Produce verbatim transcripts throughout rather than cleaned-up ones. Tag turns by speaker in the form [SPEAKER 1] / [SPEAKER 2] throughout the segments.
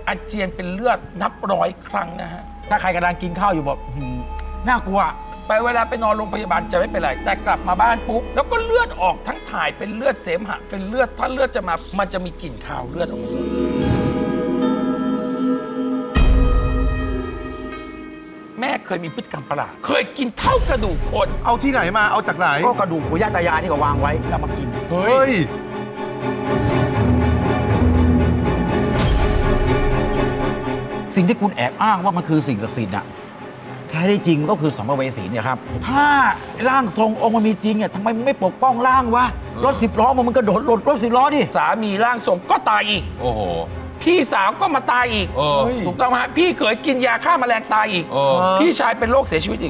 [SPEAKER 1] อาเจียนเป็นเลือดนับร้อยครั้งนะฮะ
[SPEAKER 2] ถ้าใครกำลังกินข้าวอยู่บอกน่ากลัว
[SPEAKER 1] ไปเวลาไปนอนโรงพยาบาลจะไม่เป็นไรแต่กลับมาบ้านปุ๊บแล้วก็เลือดออกทั้งถ่ายเป็นเลือดเสมหะเป็นเลือดถ้าเลือดจะมามันจะมีกลิ่นคาวเลือดออกมาแม่เคยมีพฤติกรรมประหลาดเคยกินเท่ากระดูกคน
[SPEAKER 3] เอาที่ไหนมาเอาจากไหน
[SPEAKER 2] ก็กระดูกปู่ย่าตายายที่เขาวางไว้แล้วมากิน
[SPEAKER 3] เฮ้ย
[SPEAKER 2] สิ่งที่คุณแอบอ้างว่ามันคือสิ่งศักดิ์สิทธิ์อะแท้ได้จริงก็คือสัมภเวสีเนี่ยครับถ้าร่างทรงองค์มันมีจริงเนี่ยทำไมมันไม่ปกป้องร่างวะรถสิบล้อมันกระโดดหลดรถสิบล้อดิ
[SPEAKER 1] สามีร่างทรงก็ตายอีก
[SPEAKER 3] โอ้โห
[SPEAKER 1] พี่สาวก็มาตายอีกถูกต้องไหมพี่เคยกินยาฆ่าแมลงตายอีกพี่ชายเป็นโรคเสียชีวิตอีก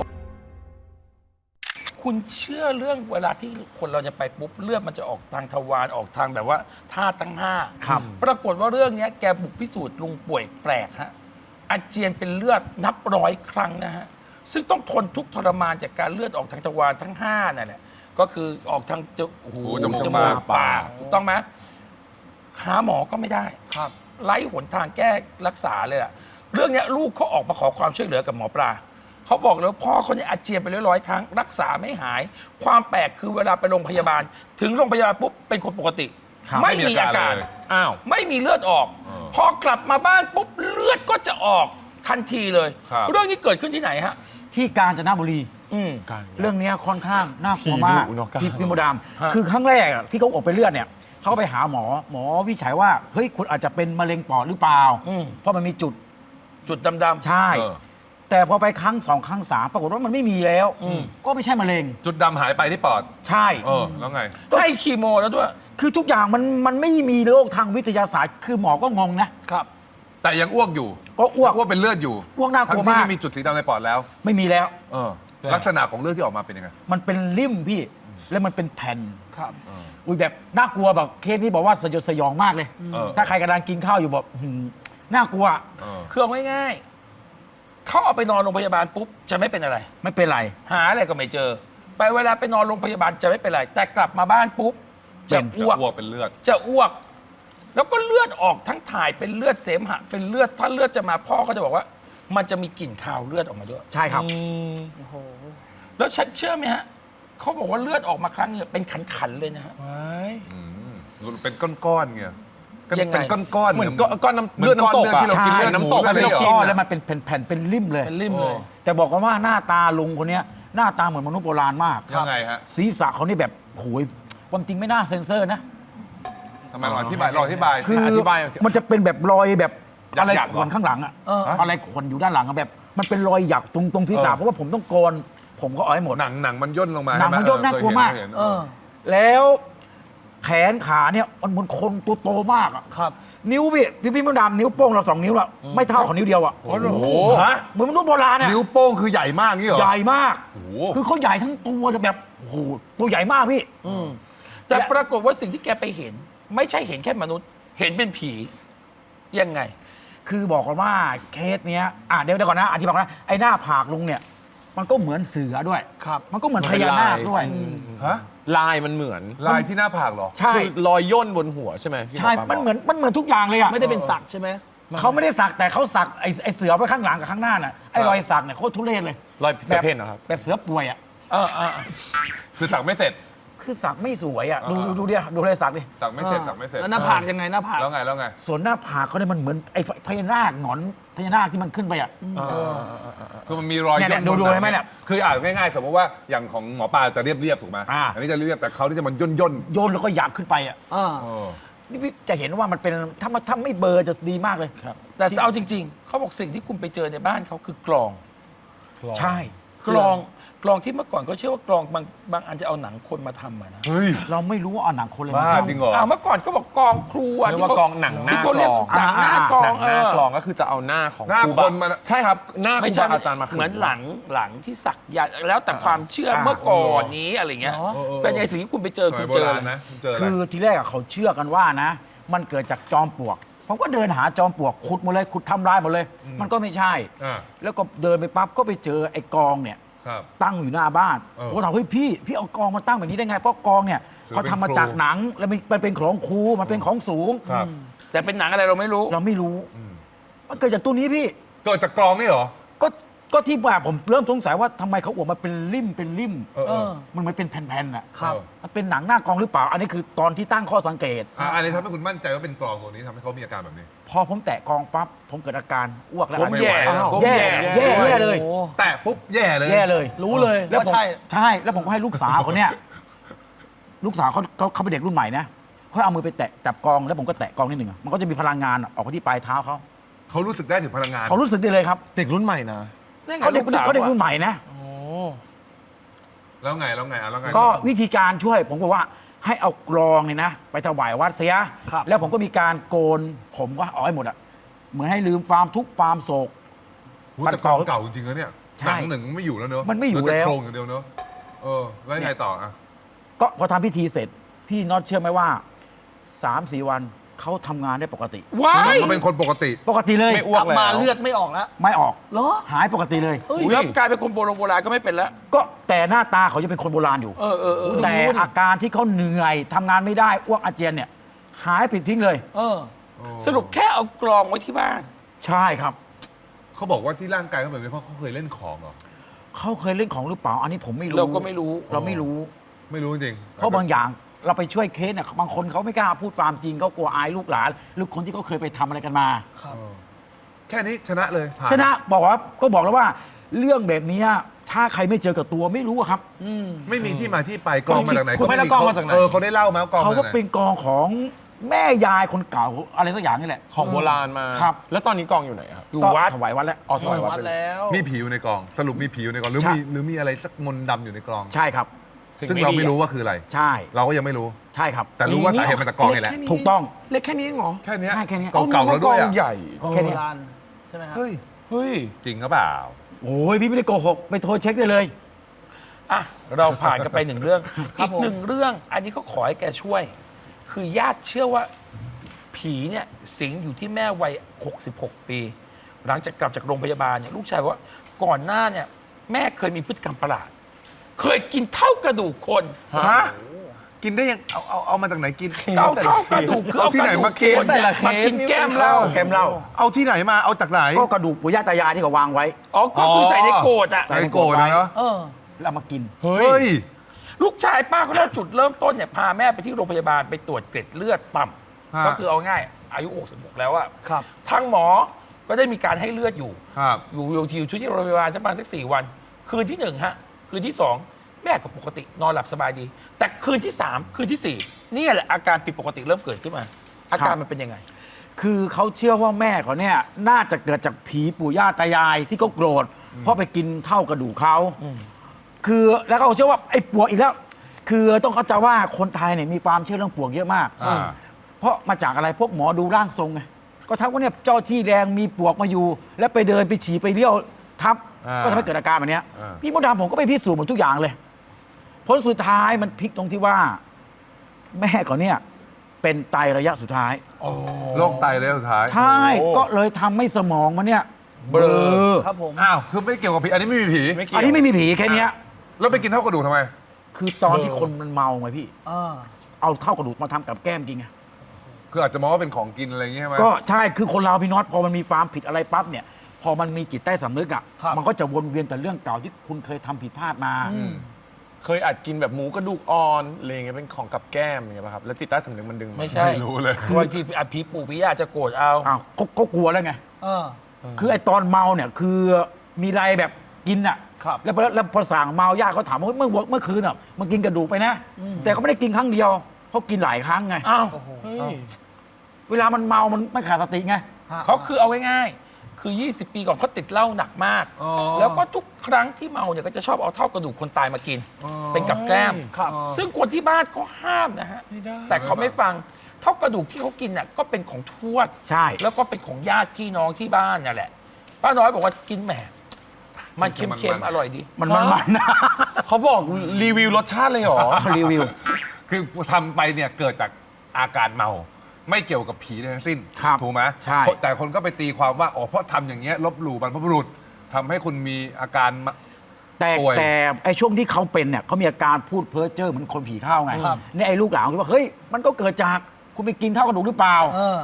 [SPEAKER 1] คุณเชื่อเรื่องเวลาที่คนเราจะไปปุ๊บเลือดมันจะออกทางทวารออกทางแบบว่าธาตุทั้งห้าปรากฏว่าเรื่องนี้แกบุกพิสูจน์ลุงป่วยแปลกฮะอาเจียนเป็นเลือดนับร้อยครั้งนะฮะซึ่งต้องทนทุกข์ทรมานจากการเลือดออกทางทวารทั้งห้านั่นแหละก็คือออกทางจมูกจมูกปากถูกต้องไหมหาหมอก็ไม่ได้ครับไร้หนทางแก้รักษาเลยล่ะเรื่องนี้ลูกเขาออกมาขอความช่วยเหลือกับหมอปลาเขาบอกแล้วพ่อเขาเนี่ยอาเจียนไปร้อยๆครั้งรักษาไม่หายความแปลกคือเวลาไปโรงพยาบาลถึงโรงพยาบาลปุ๊บเป็นคนปกติไม่มีอาการอ้าวไม่มีเลือดออกพอกลับมาบ้านปุ๊บเลือดก็จะออกทันทีเลยเรื่องนี้เกิดขึ้นที่ไหนฮะ
[SPEAKER 2] ที่กาญจนบุรีเรื่องนี้ค่อนข้างน่ากลัวมากพี่พี่มดามคือครั้งแรกที่เขาออกไปเลือดเนี่ยเขาไปหาหมอหมอวิจัยว่าเฮ้ยคุณอาจจะเป็นมะเร็งปอดหรือเปล่าเพราะมันมีจุด
[SPEAKER 1] จุดดำ
[SPEAKER 2] ๆใช่แต่พอไปครั้งสองครั้งสามปรากฏว่ามันไม่มีแล้วก็ไม่ใช่มะเร็ง
[SPEAKER 3] จุดดำหายไปที่ปอด
[SPEAKER 2] ใช่
[SPEAKER 3] เออแล้วไง
[SPEAKER 1] ให้คีโมแล้วด้วย
[SPEAKER 2] คือทุกอย่างมันมันไม่มีโรคทางวิทยาศาสตร์คือหมอก็งงนะครับ
[SPEAKER 3] แต่ยังอ้วกอยู่
[SPEAKER 2] ก็อ้วก
[SPEAKER 3] อ้วกเป็นเลือดอยู่
[SPEAKER 2] อ้วกน่ากลัวมาก
[SPEAKER 3] ทั้งที่ไม่มีจุดสีดำในปอดแล้ว
[SPEAKER 2] ไม่มีแล้ว
[SPEAKER 3] เออลักษณะของเลือดที่ออกมาเป็นยังไง
[SPEAKER 2] มันเป็นริ่มพี่แล้วมันเป็นแผ่นครับอุ้ยแบบน่ากลัวแบบเคสนี้บอกว่าสยดสยองมากเลยถ้าใครกำลังกินข้าวอยู่บอกน่ากลัว
[SPEAKER 1] คือเอาง่ายๆเขาเอาไปนอนโรงพยาบาลปุ๊บจะไม่เป็นอะไร
[SPEAKER 2] ไม่เป็นไร
[SPEAKER 1] หาอะไรก็ไม่เจอไปเวลาไปนอนโรงพยาบาลจะไม่เป็นไรแต่กลับมาบ้านปุ๊บจะอ้วก
[SPEAKER 3] เป็นเลือด
[SPEAKER 1] จะอ้วกแล้วก็เลือดออกทั้งถ่ายเป็นเลือดเสมหะเป็นเลือดถ้าเลือดจะมาพ่อก็จะบอกว่ามันจะมีกลิ่นคาวเลือดออกมาด้วย
[SPEAKER 2] ใช่ครับ
[SPEAKER 1] โอ้โหแล้วเชื่อไหมฮะเขาบอกว่าเลือดออกมาครั้งนึงเป็นขันๆเลยนะฮะ
[SPEAKER 3] เป็นก้อนๆเงี้ยเป็นก้อนๆ
[SPEAKER 4] เหมือนก้อนน้ำเลือดน้ำตก
[SPEAKER 3] ที่เรากินเลือดน้ำตก
[SPEAKER 2] ที่เรากินแล้วมันเป็นแผ่นเป็นริ่มเลย
[SPEAKER 1] เป็นริ่มเลย
[SPEAKER 2] แต่บอกกันว่าหน้าตาลุงคนนี้หน้าตาเหมือนมนุษย์โบราณมาก
[SPEAKER 3] ยังไงฮะ
[SPEAKER 2] ศีรษะเขานี่แบบโหยความจริงไม่น่าเซ็นเซอร์นะ
[SPEAKER 3] ทำไมรออธิบายรออธิบาย
[SPEAKER 2] คืออธิบายมันจะเป็นแบบรอยแบบอะไรขนข้างหลังอะอะไรขนอยู่ด้านหลังอะแบบมันเป็นรอยหยักตรงตรงศีรษะเพราะว่าผมต้องโกนผมก็เอาให้หมด
[SPEAKER 3] หนังหนังมันย่นลงมา
[SPEAKER 2] หนังมันย่นน่ากลัวมากแล้วแขนขาเนี่ยมันเหมือนคนตัวโตมากอะ
[SPEAKER 1] ครับ
[SPEAKER 2] นิ้วพี่พี่พี่มดดำนิ้วโป้งเราสองนิ้วอะไม่เท่าของนิ้วเดียวอะ
[SPEAKER 3] โอ้โห
[SPEAKER 2] เหมือนมนุษย์โบราณอะ
[SPEAKER 3] นิ้วโป้งคือใหญ่มากนี่เหรอ
[SPEAKER 2] ใหญ่มากคือเขาใหญ่ทั้งตัวแบบโอ้โหตัวใหญ่มากพี่
[SPEAKER 1] แต่ปรากฏว่าสิ่งที่แกไปเห็นไม่ใช่เห็นแค่มนุษย์เห็นเป็นผียังไง
[SPEAKER 2] คือบอกกันว่าเคสเนี้ยอ่ะเดี๋ยวเดี๋ยวก่อนนะอธิบายนะไอ้หน้าผากลุงเนี่ยมันก็เหมือนเสือด้วย
[SPEAKER 1] ครับ
[SPEAKER 2] มันก็เหมือนพญานาคด้วย
[SPEAKER 3] ฮะ
[SPEAKER 4] ลายมันเหมือน
[SPEAKER 3] ลายที่หน้าผากเหรอ
[SPEAKER 2] ใช่
[SPEAKER 4] รอยย่นบนหัวใช่ไหม
[SPEAKER 2] ใช่มันเหมือนมันเหมือนทุกอย่างเลยอ่ะ
[SPEAKER 1] ไม่ได้เป็นสักใช่ไหม
[SPEAKER 2] เขาไม่ได้สักแต่เขาสักไอ้ไอ้เสือไว้ข้างหลังกับข้างหน้าน่ะไอ้รอยสักเนี่ยโคตรทุเรศเลย
[SPEAKER 4] รอยเสือเพ่นนะครับ
[SPEAKER 2] แบบเสือป่วยอ่ะ
[SPEAKER 1] เออเออ
[SPEAKER 3] คือสักไม่เสร็จ
[SPEAKER 2] คือสักไม่สวยอ่ะดูดูเดียวดูเลยสักดิ
[SPEAKER 3] สักไม่เสร็จสักไม่เสร็จ
[SPEAKER 1] แล้วหน้าผากยังไงหน้าผาก
[SPEAKER 3] แล้วไงแล้วไง
[SPEAKER 2] ส่วนหน้าผากเขาเนี่ยมันเหมือนไอ้พญานาคหงอนพญานาคที่มันขึ้นไปอ่ะ
[SPEAKER 3] คือมันมีรอยย่น
[SPEAKER 2] ดูดูไหมเนี่ย
[SPEAKER 3] คืออ่านง่ายๆสมมติว่าอย่างของหมอปลาจะเรียบๆถูกไหมอันนี้จะเรียบแต่เขาที่จะมันย่นย่น
[SPEAKER 2] ย่นแล้วก็หยักขึ้นไปอ่ะนี่พี่จะเห็นว่ามันเป็นถ้ามาถ้าไม่เบอร์จะดีมากเลย
[SPEAKER 1] ครับแต่เอาจริงๆเขาบอกสิ่งที่คุณไปเจอในบ้านเขาคือกลอง
[SPEAKER 2] ใช่
[SPEAKER 1] กลองกลองที่เมื่อก่อนเขาเชื่อว่ากลองบางบางอันจะเอาหนังคนมาทำนะ
[SPEAKER 3] เฮ้ย
[SPEAKER 2] เราไม่รู้ว่าเอาหนังคนเลย
[SPEAKER 3] มาทำจริงเหรอ
[SPEAKER 1] เมื่อก่อนเขาบอกกลองครู
[SPEAKER 4] เรียกว่ากลองหนังหน้ากลอง
[SPEAKER 1] หนังหน้ากลอง
[SPEAKER 4] หน้ากลองก็คือจะเอาหน้าของ
[SPEAKER 3] ครูคนมา
[SPEAKER 4] ใช่ครับหน้าครูบาอาจารย์มา
[SPEAKER 1] เหมือนหลังหลังที่สักยันแล้วแต่ความเชื่อเมื่อก่อนนี้อะไรเงี้ยเป็นไงสิ่งที่คุณไปเจอคุณเจอ
[SPEAKER 3] นะ
[SPEAKER 2] คือทีแรกเขาเชื่อกันว่านะมันเกิดจากจอมปลวกผมก็เดินหาจอมปลวกขุดหมดเลยขุดทำลายหมดเลยมันก็ไม่ใช่แล้วก็เดินไปปั๊บก็ไปเจอไอ้กองเนี่ยตั้งอยู่หน้าบ้านผมถามเฮ้ยพี่พี่เอากองมาตั้งแบบนี้ได้ไงเพราะกองเนี่ยเขาทำมาจากหนังแล้วมันเป็นของครูมันเป็นของสูง
[SPEAKER 1] แต่เป็นหนังอะไรเราไม่รู้
[SPEAKER 2] เราไม่รู้มันเกิดจากตัวนี้พี่
[SPEAKER 3] เกิดจากกรองนี่เหรอ
[SPEAKER 2] ก็ก็ที่แบบผมเริ่มสงสัยว่าทำไมเขาออกมาเป็นริ่มเป็นริ่ม
[SPEAKER 3] เออเออ
[SPEAKER 2] มันเหมือนเป็นแผ่นๆอ่ะ
[SPEAKER 3] ครับ
[SPEAKER 2] มันเป็นหนังหน้ากองหรือเปล่า อันนี้คือตอนที่ตั้งข้อสังเกต
[SPEAKER 3] อ่ะอันนี้ทำให้คุณมั่นใจว่าเป็นกรองตัวนี้ทำให้เขามีอาการแบบนี้
[SPEAKER 2] พอผมแตะกองปั๊บผมเกิดอาการอ้วกแล้ว
[SPEAKER 1] ผม
[SPEAKER 2] อาเจี
[SPEAKER 1] แย่
[SPEAKER 2] ยน
[SPEAKER 3] อ้าว
[SPEAKER 1] ผม
[SPEAKER 2] แย่
[SPEAKER 1] แย่
[SPEAKER 2] แย่แย่เลย
[SPEAKER 5] โอ้
[SPEAKER 3] แตะปุ๊บแย่เลย
[SPEAKER 2] แย่เลย
[SPEAKER 5] รู้เลย
[SPEAKER 2] แล้ว
[SPEAKER 5] ว่า
[SPEAKER 2] ผม
[SPEAKER 5] ใช่
[SPEAKER 2] ใช่ แล้วผมก็ให้ลูกสาวคนเนี้ยลูกสาวเขาเขาเขาเป็นเด็กรุ่นใหม่นะเขาเอามือไปแตะจับกองแล้วผมก็แตะกองนิดหนึ่งอะมันก็จะมีพลังงานออกไปที่ปลายเท้าเขา
[SPEAKER 3] เขารู้สึกได้ถึงพลังงาน
[SPEAKER 2] เขารู้สึกได้เลยครับ
[SPEAKER 4] เด็กรุ่นใหม่นะ
[SPEAKER 1] นั่นไง
[SPEAKER 2] เขาเด็ก
[SPEAKER 1] ลูสาว
[SPEAKER 2] เขาเด็ก
[SPEAKER 1] อะ
[SPEAKER 2] รุ่นใหม่นะ
[SPEAKER 4] โอ้
[SPEAKER 3] แล้วไงแล้วไงอ่ะแล้วไง
[SPEAKER 2] ก็วิธีการช่วยผมก็ว่าให้เอากรองเนี่ยนะ ไปถวายวัดเสีย
[SPEAKER 5] ครับ
[SPEAKER 2] แล้วผมก็มีการโกนผมก็เอาให้หมดอะเหมือนให้ลืมความทุกข์ความโศก
[SPEAKER 3] หูแต่กรองเก่าจริงๆแล้วเนี่ย
[SPEAKER 2] ใช่
[SPEAKER 3] หนังหนึ่งไม่อยู่แล้วเนอะ
[SPEAKER 2] มันไม่อยู่
[SPEAKER 3] เห
[SPEAKER 2] แล้ว
[SPEAKER 3] ต่โครงอย่างเดียวเนอะเออแล้วยังไงต่ออ่ะ
[SPEAKER 2] ก็พอทำพิธีเสร็จ พี่น็อตเชื่อไหมว่าสามสี่วันเขาทำงานได้ปกติ
[SPEAKER 1] ว้าย
[SPEAKER 3] เขาเป็นคนปกติ
[SPEAKER 2] ปกติเลย
[SPEAKER 4] ไม่อ้
[SPEAKER 5] ก
[SPEAKER 4] ว
[SPEAKER 5] ลั
[SPEAKER 4] ก
[SPEAKER 5] บ
[SPEAKER 4] แล้ว
[SPEAKER 5] มาเลือดไม่ออกแล้ว
[SPEAKER 2] ไม่ออก
[SPEAKER 5] เหรอ
[SPEAKER 2] หายปกติเลย
[SPEAKER 5] เฮ้ย
[SPEAKER 1] แล้วกลายเป็นคนโบราณโบราณก็ไม่เป็นแล้ว
[SPEAKER 2] ก็แต่หน้าตาเขาจะเป็นคนโบราณอยู่
[SPEAKER 1] เออเออเออ
[SPEAKER 2] แต่อาการที่เขาเหนื่อยทำงานไม่ได้อ้วกอาเจียนเนี่ย หายผิดทิ้งเลย
[SPEAKER 5] เออ
[SPEAKER 1] สรุปแค่เอากรองไว้ที่บ้าน
[SPEAKER 2] ใช่ครับ
[SPEAKER 3] เขาบอกว่าที่ร่างกายเขาแบบนี้เพราะเขาเคยเล่นของเหรอ
[SPEAKER 2] เขาเคยเล่นของหรือเปล่า อันนี้ผมไม่รู้
[SPEAKER 1] เราก็ไม่รู้
[SPEAKER 2] เราไม่รู้
[SPEAKER 3] ไม่รู้จริง
[SPEAKER 2] เพราะบางอย่างเราไปช่วยเคสเนี่ยบางคนเขาไม่กล้าพูดความจริงเขากลัวอายลูกหลานหรือคนที่เขาเคยไปทำอะไรกันมา
[SPEAKER 5] ครับ
[SPEAKER 3] เออแค่นี้ชนะเลยผ่า
[SPEAKER 2] ชนะบอกว่าก็บอกแล้วว่า เรื่องแบบเนี้ยถ้าใครไม่เจอกับตัวไม่รู้อะครับ
[SPEAKER 5] อืม
[SPEAKER 3] ไม่มีที่มาที่ไปกรองมาจากไหน
[SPEAKER 4] คุณไม่ได้กรองมาจากไหน
[SPEAKER 3] เออเขาได้เล่าไหมว่ากรอง
[SPEAKER 2] เขา
[SPEAKER 3] มา
[SPEAKER 2] ก็
[SPEAKER 3] จากไหน
[SPEAKER 2] เป็นกองของแม่ยายคนเก่าอะไรสักอย่างนี่แหละ
[SPEAKER 4] ของโบราณมา
[SPEAKER 2] ครับ
[SPEAKER 4] แล้วตอนนี้กองอยู่ไหนครับ
[SPEAKER 1] อยู่
[SPEAKER 2] ก็
[SPEAKER 1] วัด
[SPEAKER 2] ถวายวัดแล้ว
[SPEAKER 4] อ๋อถวายวัด
[SPEAKER 5] วัด
[SPEAKER 4] ไปเลย
[SPEAKER 5] แล้ว
[SPEAKER 3] มีผีอยู่ในกรอง สรุปมีผีอยู่ในกรองหรือ
[SPEAKER 2] ใช่
[SPEAKER 3] มีหรือมีอะไรสักมนต์ดำอยู่ในกรอง
[SPEAKER 2] ใช่ครับ
[SPEAKER 4] สิ่ง
[SPEAKER 3] ซึ่ง
[SPEAKER 4] ไม่
[SPEAKER 3] เรา
[SPEAKER 4] ดี
[SPEAKER 3] ไม่รู้ว่าคืออะไร
[SPEAKER 2] ใช่
[SPEAKER 3] เราก็ยังไม่รู้
[SPEAKER 2] ใช่ครับ
[SPEAKER 3] แต่รู้ว่าสาเหตุมาจากกรองนี่แหละ
[SPEAKER 2] ถูกต้อง
[SPEAKER 4] เล็กแค่นี้เองเหรอ
[SPEAKER 3] แค่เนี้ย
[SPEAKER 2] ใช่แค่เนี้ย
[SPEAKER 3] เก่าๆแล้วด้วย
[SPEAKER 4] ก
[SPEAKER 3] อะ
[SPEAKER 4] องใหญ่
[SPEAKER 2] แค่เนี้ย
[SPEAKER 5] โบราณใช่ไหมครับ
[SPEAKER 3] เฮ้ย
[SPEAKER 4] เฮ้ย
[SPEAKER 3] จริงหรือเปล่า
[SPEAKER 2] โอ้ยพี่ไม่ได้โกหกไปโทรเช็คได้เลย
[SPEAKER 1] อ่ะเราผ่านกันไปหนึ่งเรื่อง
[SPEAKER 5] ครั
[SPEAKER 1] อี
[SPEAKER 5] บ
[SPEAKER 1] ก
[SPEAKER 5] ผม
[SPEAKER 1] หนึ่งเรื่อง อันนี้ก็ขอให้แกช่วย คือญาติเชื่อว่า ผีเนี่ยสิงอยู่ที่แม่วัยหกสิบหกปี หลังจากกลับจากโรงพยาบาลเนี่ยลูกชายบอกว่าก่อนหน้าเนี่ยแม่เคยมีพฤติกรรมประหลาด เคยกินเท่ากระดูกคน
[SPEAKER 3] ฮะ กินได้ยัง เอาเอาเอามาจากไหนกิน
[SPEAKER 1] เอาเท่ากระดูกคือเอา
[SPEAKER 3] ที่
[SPEAKER 1] ก
[SPEAKER 3] ไหน
[SPEAKER 1] ระดูก
[SPEAKER 3] มากิน
[SPEAKER 1] คนเนี่ยมากินแก้มเหล้า
[SPEAKER 2] แกมเหล้า
[SPEAKER 3] เอาที่ไหนมา เอาจากไหน
[SPEAKER 2] ก็กระดูกปู่ย่าตายายที่เขาวางไว้
[SPEAKER 1] อ๋อก็คือใส่ในโกรธอ่ะ
[SPEAKER 3] ใส่โกรธนะเนาะ
[SPEAKER 5] เออ
[SPEAKER 2] แล้วเอามากิน
[SPEAKER 4] เฮ้
[SPEAKER 3] เฮ้
[SPEAKER 4] ย
[SPEAKER 3] ย
[SPEAKER 1] ลูกชายป้าก็เล่าจุดเริ่มต้นเนี่ยพาแม่ไปที่โรงพยาบาลไปตรวจเกล็ดเลือดต่ำ
[SPEAKER 3] ฮะ
[SPEAKER 1] ก็คือเอาง่ายอายุหกสิบหกแล้วอะ
[SPEAKER 5] ครับ
[SPEAKER 1] ทางหมอก็ได้มีการให้เลือดอยู่
[SPEAKER 3] ครับ
[SPEAKER 1] อยู่อยู่ที่อยู่ที่โรงพยาบาลสักประมาณสักสี่วัน คืนที่หนึ่งฮะ คืนที่สองแม่ก็ปกตินอนหลับสบายดี แต่คืนที่สามคืนที่สี่นี่แหละอาการผิดปกติเริ่มเกิดขึ้นมา อาการมันเป็นยังไง
[SPEAKER 2] คือเขาเชื่อว่าแม่เขาเนี่ยน่าจะเกิดจากผีปู่ย่าตายายที่เขาโกรธเพราะไปกินเท่ากระดูกเขา
[SPEAKER 1] อืม
[SPEAKER 2] คือแล้วเขาเชื่อว่าไอ้ปวกอีกแล้ว คือต้องเข้าใจว่าคนไทยเนี่ยมีความเชื่อเรื่องปวกเยอะมาก
[SPEAKER 3] อ่า
[SPEAKER 2] เพราะมาจากอะไรพวกหมอดูร่างทรงไงก็ทักว่าเนี่ยเจ้าที่แรงมีปวกมาอยู่ แล้วไปเดินไปฉี่ไปเลี้ยวทับ
[SPEAKER 3] อ่า
[SPEAKER 2] ก็ทำให้เกิดอาการแบบเนี้ย
[SPEAKER 3] อ่า
[SPEAKER 2] พี่มดดำผมก็ไปพิสูจน์หมดทุกอย่างเลยผลสุดท้ายมันพลิกตรงที่ว่า แม่เขาเนี่ยเป็นไตระยะสุดท้าย
[SPEAKER 3] โรคไตเลยสุดท้าย
[SPEAKER 2] ใช่ ก็เลยทำให้สมองมันเนี่ยเบลอ
[SPEAKER 5] ครับผม
[SPEAKER 3] อ้าว คือไม่เกี่ยวกับผี อันนี้ไม่มีผี
[SPEAKER 4] ไม่เกี่ยว
[SPEAKER 2] อันนี้ไม่มีผีแค่เนี้ย
[SPEAKER 3] แล้วไปกินเท่ากระดูกทำไม
[SPEAKER 2] คือตอนที่คนมันเมาไงพี่
[SPEAKER 5] อ่า
[SPEAKER 2] เอาเท่ากระดูกมาทำกับแก้มกินไง
[SPEAKER 3] คืออาจจะมองว่าเป็นของกินอะไรอย่างเงี้ยใช่ไหม
[SPEAKER 2] ก็ใช่คือคนเราพี่น็อตพอมันมีความผิดอะไรปั๊บเนี่ย พอมันมีจิตใต้สำนึกอ่ะ
[SPEAKER 5] ครับ
[SPEAKER 2] มันก็จะวนเวียนแต่เรื่องเก่าที่คุณเคยทำผิดพลาดมา
[SPEAKER 3] อืม
[SPEAKER 4] เคยอาจกินแบบหมูกระดูกอ่อนอะไรอย่างเงี้ยเป็นของกับแก้มอย่างเงี้ยป่ะครับ แล้วจิตใต้สำนึกมันดึงา
[SPEAKER 1] ไม่ใช่
[SPEAKER 3] ไม่รู้เลย
[SPEAKER 1] บางทีอ่ะผีปู่ผีย่าจะโกรธเอา
[SPEAKER 2] อ้าวก็ก็กลัวแล้วไง
[SPEAKER 5] เออ
[SPEAKER 2] คือไอ้ตอนเมาเนี่ยคือมีอะไรแบบกินอ่ะ
[SPEAKER 5] ครับ
[SPEAKER 2] แล้วพอแล้วพอสั่งเมาญาติเขาถามว่าเฮ้ยเมื่อเมื่อคืนอ่ะมันกินกระดูกไปนะ แต่เขาไม่ได้กินครั้งเดียวเขากินหลายครั้งไง
[SPEAKER 1] อ้าว
[SPEAKER 5] โอ้โห
[SPEAKER 4] เฮ้ย
[SPEAKER 2] เวลามันเมามันไม่ขาดสติไง
[SPEAKER 1] เขาคือเอาง่ายๆคือ ยี่สิบ ปีก่อนเขาติดเหล้าหนักมาก
[SPEAKER 3] อ๋อ
[SPEAKER 1] แล้วก็ทุกครั้งที่เมาเนี่ยก็จะชอบเอาเท่ากระดูกคนตายมากิน เป็นกับแกล้ม
[SPEAKER 5] ครับ
[SPEAKER 1] ซึ่งคนที่บ้านก็ห้ามนะฮะ
[SPEAKER 4] ไม่ได้
[SPEAKER 1] แต่เขาไม่ฟังเท่ากระดูกที่เขากินน่ะก็เป็นของทวด
[SPEAKER 2] ใช่
[SPEAKER 1] แล้วก็เป็นของญาติพี่น้องที่บ้านนั่นแหละ ป้าน้อยบอกว่ากินแหมมันเค็มๆ อร่อยดี
[SPEAKER 2] มันมันมันนะ
[SPEAKER 4] เขาบอกรีวิวรสชาติเลยเหรอ
[SPEAKER 2] รีวิว
[SPEAKER 3] คือทำไปเนี่ยเกิดจากอาการเมา ไม่เกี่ยวกับผีทั้งสิ้น
[SPEAKER 2] ครับ
[SPEAKER 3] ถูกไหม
[SPEAKER 2] ใช่
[SPEAKER 3] แต่คนก็ไปตีความว่าอ๋อเพราะทำอย่างเงี้ยลบหลู่บรรพบุรุษทำให้คุณมีอาการมา
[SPEAKER 2] แต่
[SPEAKER 3] ป่วย
[SPEAKER 2] แต่ไอ้ช่วงที่เขาเป็นเนี่ยเขามีอาการพูดเพ้อเจ้อเหมือนคนผีเข้าไง
[SPEAKER 5] ครับ
[SPEAKER 2] นี่ไอ้ลูกหลานคิดว่าเฮ้ยมันก็เกิดจากคุณไปกินเท่ากระดูกหรือเปล่า
[SPEAKER 5] เออ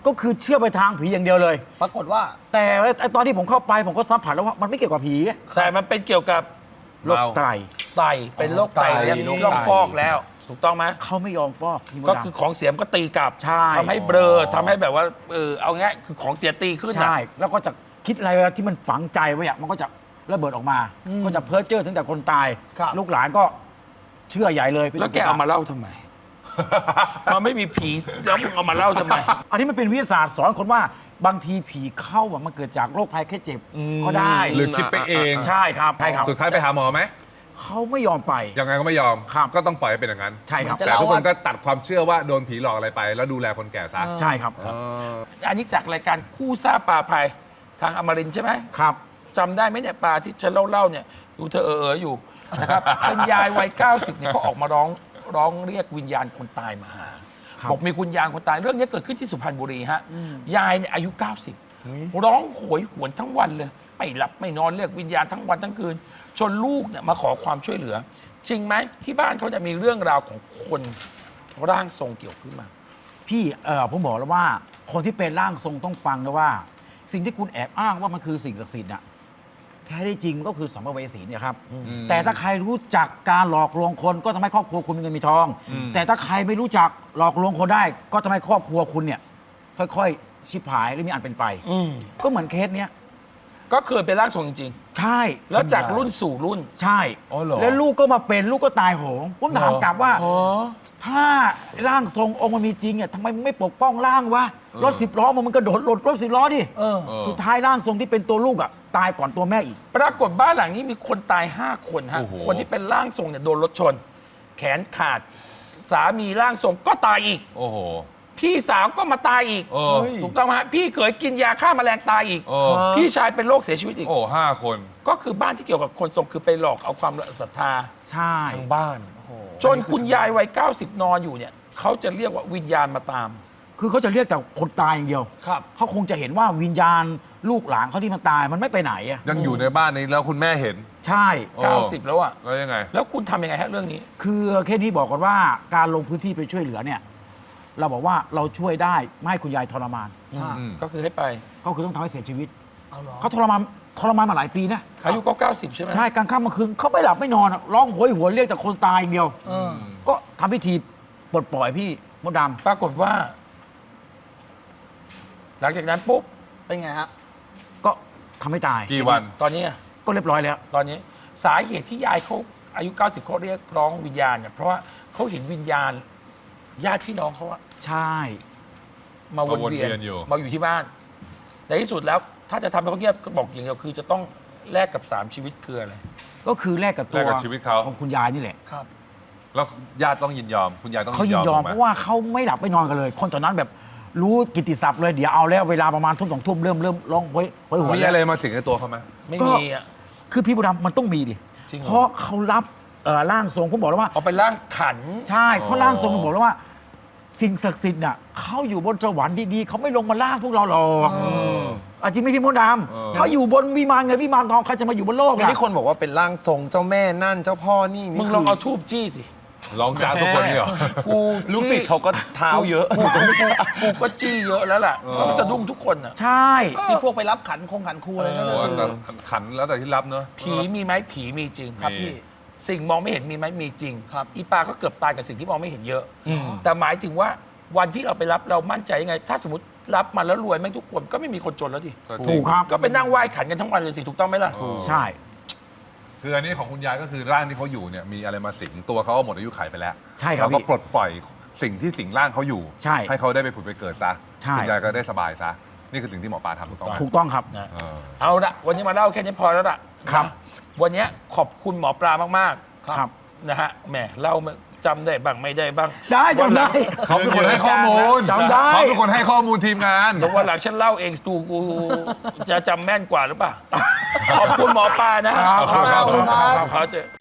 [SPEAKER 2] ก็คือเชื่อไปทางผีอย่างเดียวเลย
[SPEAKER 5] ปรากฏว่า
[SPEAKER 2] แต่ไอ้ตอนที่ผมเข้าไปผมก็สัมผัสแล้วว่ามันไม่เกี่ยวกับผี
[SPEAKER 1] แต่มันเป็นเกี่ยวกับ
[SPEAKER 2] โรคไต
[SPEAKER 1] ไตเป็นโรคไต
[SPEAKER 4] ไต
[SPEAKER 1] แล้ว
[SPEAKER 4] โรคไต
[SPEAKER 1] ต้องฟอกแล้ว ถูกต้องไหม
[SPEAKER 2] เขาไม่ยอมฟอกพี่มด
[SPEAKER 1] ก็
[SPEAKER 2] ดำ
[SPEAKER 1] คือของเสียมก็ตีกลับ
[SPEAKER 2] ใช่
[SPEAKER 1] ทำให้เบลอทำให้แบบว่าเออเอาง่ายคือของเสียตีขึ้นนะ
[SPEAKER 2] ใช่ แล้วก็จะคิดอะไรที่มันฝังใจไว้อะมันก็จะระเบิดออกมา ก็จะเพ้อเจ้อถึงแต่คนตาย
[SPEAKER 5] ครับ
[SPEAKER 2] ลูกหลานก็เชื่อใหญ่เลย
[SPEAKER 1] แล้วแกเอามาเล่าทำไม มันไม่มีผีแล้วมึงเอามาเล่าทำไม
[SPEAKER 2] อันนี้มันเป็นวิทยาศาสตร์สอนคนว่าบางทีผีเข้าอะมันเกิดจากโรคภัยแค่เจ็บก็ได้
[SPEAKER 3] หรือคิดไปเอง
[SPEAKER 2] ใช่ครับใช่ครับ
[SPEAKER 3] สุดท้ายไปหาหมอไหม
[SPEAKER 2] เขาไม่ยอมไป
[SPEAKER 3] ยังไงก็ไม่ยอม
[SPEAKER 2] ครับ
[SPEAKER 3] ก็ต้องปล่อยให้เป็นอย่างนั้น
[SPEAKER 2] ใช่ครับ
[SPEAKER 5] จะ
[SPEAKER 3] แต่
[SPEAKER 5] เล่า
[SPEAKER 3] ทุกคน
[SPEAKER 5] ว่า
[SPEAKER 3] ก็ตัดความเชื่อว่าโดนผีหลอกอะไรไป แล้วดูแลคนแก่ซะ
[SPEAKER 2] ใช่ครับ
[SPEAKER 3] เออ
[SPEAKER 1] อันนี้จากรายการคู่ซ่าปลาภัยทางอมรินทร์ใช่ไหม
[SPEAKER 2] ครับ
[SPEAKER 1] จำได้ไหมเนี่ยปลาที่ฉันเล่าเล่าๆเนี่ยดูเธอเออเอออยู่นะครับ เป็นยายวัยเก้าสิบเนี่ยเขาออกมาร้องร้องเรียกวิญญาณคนตายมาหา
[SPEAKER 2] ครับ
[SPEAKER 1] บอกมีคุณยายคนตายเรื่องนี้เกิดขึ้นที่สุพรรณบุรีฮะยายเนี่ยอายุ เก้าสิบ ร้องโหยหวนทั้งวันเลยไม่หลับไม่นอนเรียกวิญญาณทั้งวันทั้งคืนจนลูกเนี่ยมาขอความช่วยเหลือ จริงไหมที่บ้านเขาจะมีเรื่องราวของคนร่างทรงเกี่ยวขึ้นมา
[SPEAKER 2] พี่เออผมบอกแล้วว่าคนที่เป็นร่างทรงต้องฟังนะว่า สิ่งที่คุณแอบอ้างว่ามันคือสิ่งศักดิ์สิทธิ์น่ะแท้ที่จริงมันก็คือสัมภเวสีเนี่ยครับ แต่ถ้าใครรู้จักการหลอกลวงคนก็ทำให้ครอบครัวคุณมีเงินมีทอง แต่ถ้าใครไม่รู้จักหลอกลวงคนได้ ก็ทำให้ครอบครัวคุณเนี่ย ค่อยๆ ชิบหายหรือมีอันเป็นไป
[SPEAKER 1] อืม
[SPEAKER 2] ก็เหมือนเคสเนี้ย
[SPEAKER 1] ก็เคยเป็นร่างทรงจริง
[SPEAKER 2] ใช่
[SPEAKER 1] ๆ แล้วจากรุ่นสู่รุ่น
[SPEAKER 2] ใช่
[SPEAKER 3] อ๋อเหรอ
[SPEAKER 2] แล้วลูกก็มาเป็นลูกก็ตายโหงผมถามกลับว่า ถ้าร่างทรงองค์มันมีจริงอ่ะทำไมมึงไม่ปกป้องร่างวะรถสิบล้อมันมันกระโดดหลดรถสิบล้อดิ
[SPEAKER 5] เออ
[SPEAKER 3] เออ
[SPEAKER 2] สุดท้ายร่างทรงที่เป็นตัวลูกอ่ะตายก่อนตัวแม่อีก
[SPEAKER 1] ปรากฏบ้านหลังนี้มีคนตายห้าคนฮะ
[SPEAKER 3] โอ้โห
[SPEAKER 1] คนที่เป็นร่างทรงเนี่ยโดนรถชน แขนขาด สามีร่างทรงก็ตายอีก
[SPEAKER 3] โอ้โห
[SPEAKER 1] พี่สาวก็มาตายอีก
[SPEAKER 3] เออ
[SPEAKER 1] ถูกต้องไหมฮะพี่เขยกินยาฆ่าแมลงตายอีก
[SPEAKER 3] เออ
[SPEAKER 1] พี่ชายเป็นโรคเสียชีวิตอีก
[SPEAKER 3] โอ้ห้าคน
[SPEAKER 1] ก็คือบ้านที่เกี่ยวกับคนทรงคือไปหลอกเอาความศรัทธา
[SPEAKER 2] ใช่
[SPEAKER 4] ทั้งบ้านโอ้โห
[SPEAKER 1] จนคุณยายวัยเก้าสิบนอนอยู่เนี่ยเขาจะเรียกว่าวิญญาณมาตาม
[SPEAKER 2] คือเขาจะเรียกแต่คนตายอย่างเดียว
[SPEAKER 5] ครับ
[SPEAKER 2] เขาคงจะเห็นว่าวิญญาณลูกหลานเขาที่มันตายมันไม่ไปไหนอ่ะ
[SPEAKER 3] ยังอยู่ในบ้านนี้แล้วคุณแม่เห็น
[SPEAKER 2] ใช่
[SPEAKER 3] โอ้
[SPEAKER 1] เก้าสิบแล้วอะ
[SPEAKER 3] แล้วยังไง
[SPEAKER 1] แล้วคุณทำยังไงฮะเรื่องนี้
[SPEAKER 2] คือแค่นี้บอกก่อนว่าการลงพื้นที่ไปช่วยเหลือเนี่ย เราบอกว่าเราช่วยได้ไม่ให้คุณยายทรมาน
[SPEAKER 3] อืม
[SPEAKER 1] ก็คือให้ไป
[SPEAKER 2] ก็คือต้องทำให้เสียชีวิต
[SPEAKER 5] เอาเหรอ
[SPEAKER 2] เขาทรมานทรมานมาหลายปีนะ
[SPEAKER 1] อายุก็เก้าสิบใช่ไหม
[SPEAKER 2] ใช่กลางค่ำกลางคืนเขาไม่หลับไม่นอนอะร้องโหยหวนเรียกแต่คนตายอย่างเดียว
[SPEAKER 5] เออ
[SPEAKER 2] ก็ทำพิธีปลดปล่อยพี่มดด
[SPEAKER 1] ปรากฏว่า หลังจากนั้นปุ๊บ
[SPEAKER 5] เป็นไงฮะ
[SPEAKER 2] ำก็ทำให้ตาย
[SPEAKER 3] กี่วัน
[SPEAKER 1] ตอนนี้อะ
[SPEAKER 2] ก็เรียบร้อยแล้ว
[SPEAKER 1] ตอนนี้สาเหตุที่ยายเขาอายุ เก้าสิบเขาเรียกร้องวิญญาณเนี่ยเพราะว่าเขาเห็นวิญญาณ ญาติพี่น้องเขาอะ
[SPEAKER 2] ใช่
[SPEAKER 1] มาวนเวียน
[SPEAKER 3] มาวนเวียนอยู่
[SPEAKER 1] มาอยู่ที่บ้านในที่สุดแล้ว ถ้าจะทำให้เขาเงียบก็บอกอย่างเดียวคือจะต้องแลกกับสามชีวิตคืออะไร
[SPEAKER 2] ก็คือแลกกับตั
[SPEAKER 3] แล
[SPEAKER 2] ว
[SPEAKER 3] กกับชีวิตเขา
[SPEAKER 2] ของคุณยายนี่แหละ
[SPEAKER 5] ครับ
[SPEAKER 3] แล้วญาติต้องยินยอม คุณยายต้อง
[SPEAKER 2] เขายินยอม
[SPEAKER 3] ถูกไห
[SPEAKER 2] เพราะว่าเขาไม่หลับไม่นอนกันเลย คนตอนนั้นแบบรู้กิตติศัพท์เลยเดี๋ยวเอาแล้วเวลาประมาณทุ่มสองทุ่มเริ่มเริ่มร้องโหยโหยหวน
[SPEAKER 3] มี
[SPEAKER 2] แล้ว
[SPEAKER 3] อะไรมาสิงในตัวเขาไหม
[SPEAKER 1] ไม่
[SPEAKER 2] ก็
[SPEAKER 1] มีอะ
[SPEAKER 2] คือพี่บุญดำมันต้องมีดิ
[SPEAKER 1] จริงเหรอ
[SPEAKER 2] เพราะเขารับเอ่อร่างทรงผมบอกแล้วว่า
[SPEAKER 1] เอาไปร่างขัน
[SPEAKER 2] ใช่เพราะร่างทรงมันบอกแล้วว่า สิ่งศักดิ์สิทธิ์น่ะเขาอยู่บนสวรรค์ดีๆเขาไม่ลงมาล่างพวกเราหรอกอ่ะจริงไหมพี่มดด
[SPEAKER 3] เออ
[SPEAKER 2] ำเขาอยู่บนวิมานเงินวิมานทองใครจะมาอยู่บนโลก
[SPEAKER 4] อย่าง
[SPEAKER 2] อ่ะ
[SPEAKER 4] ที่คนบอกว่าเป็นร่างทรงเจ้าแม่นั่นเจ้าพ่อนี่นี่
[SPEAKER 1] มึง
[SPEAKER 4] คื
[SPEAKER 1] ลองเอาทูบจี้สิ
[SPEAKER 3] ร้องจ้าทุกคนนี่เหรอ
[SPEAKER 1] กู
[SPEAKER 4] ลูกศิษย์เขาก็เท้าเยอะ
[SPEAKER 1] กูกูกูกูก็จี้เยอะแล้วล่ะ
[SPEAKER 3] เออ
[SPEAKER 1] เขาสะดุ้งทุกคนอ่ะ
[SPEAKER 2] ใช่
[SPEAKER 5] ที่พวกไปรับขันคงขันครูอะไรนั่น
[SPEAKER 3] โอ้
[SPEAKER 5] ก็คือ
[SPEAKER 3] แต่ขันแล้วแต่ที่รับเนอะ
[SPEAKER 1] ผีมีไหมผีมีจริง
[SPEAKER 3] มี
[SPEAKER 5] ครับพี่
[SPEAKER 1] สิ่งมองไม่เห็นมีไหมมีจริง
[SPEAKER 5] ครับ
[SPEAKER 1] อีปาก็เกือบตายกับสิ่งที่มองไม่เห็นเยอะ แต่หมายถึงว่าวันที่เราไปรับเรามั่นใจยังไง ถ้าสมมติรับมาแล้วรวยแม่งทุกคนก็ไม่มีคนจนแล้วดิ
[SPEAKER 3] ก็จริง
[SPEAKER 2] ถูกครับ
[SPEAKER 1] ก็ไปนั่งไหว้ขันกันทั้งวันเลยสิถูกต้องไหมล่ะ
[SPEAKER 3] เออ
[SPEAKER 2] ใช่
[SPEAKER 3] คืออันนี้ของคุณยายก็คือร่างที่เขาอยู่เนี่ยมีอะไรมาสิงตัวเขาก็หมดอายุขัยไปแล้ว
[SPEAKER 2] ใช่ครับ
[SPEAKER 3] แล้วก็
[SPEAKER 2] พี่
[SPEAKER 3] ปลดปล่อยสิ่งที่สิงร่างเขาอยู่
[SPEAKER 2] ใช่
[SPEAKER 3] ให้เขาได้ไปผุดไปเกิดซะ
[SPEAKER 2] ใช่
[SPEAKER 3] คุณยายก็ได้สบายซะนี่คือสิ่งที่หมอปลาทำถูกต้องไหม
[SPEAKER 2] ถูกต้องครับ
[SPEAKER 1] นะ
[SPEAKER 3] เออ
[SPEAKER 1] เอาละวันนี้มาเล่าแค่นี้พอแล้วล่ะ
[SPEAKER 2] ครับ
[SPEAKER 1] นะวันนี้ขอบคุณหมอปลามาก
[SPEAKER 2] ครับ
[SPEAKER 1] ๆนะฮะแหมเล่าไม่จำได้บ้างไม่ได้บ้าง
[SPEAKER 2] ได้จำได้
[SPEAKER 3] เขาเป็นคนให้ข้อมูล
[SPEAKER 2] จำได้
[SPEAKER 3] เขาเป็นคนให้ข้อมูลทีมงาน
[SPEAKER 1] เดี๋ยววันหลังฉันเล่าเองตูกูจะจำแม่นกว่าหรือเปล่า ขอบคุณหมอปลานะฮะ
[SPEAKER 2] ครับ
[SPEAKER 1] ขอบคุณครับขอบคุณครับ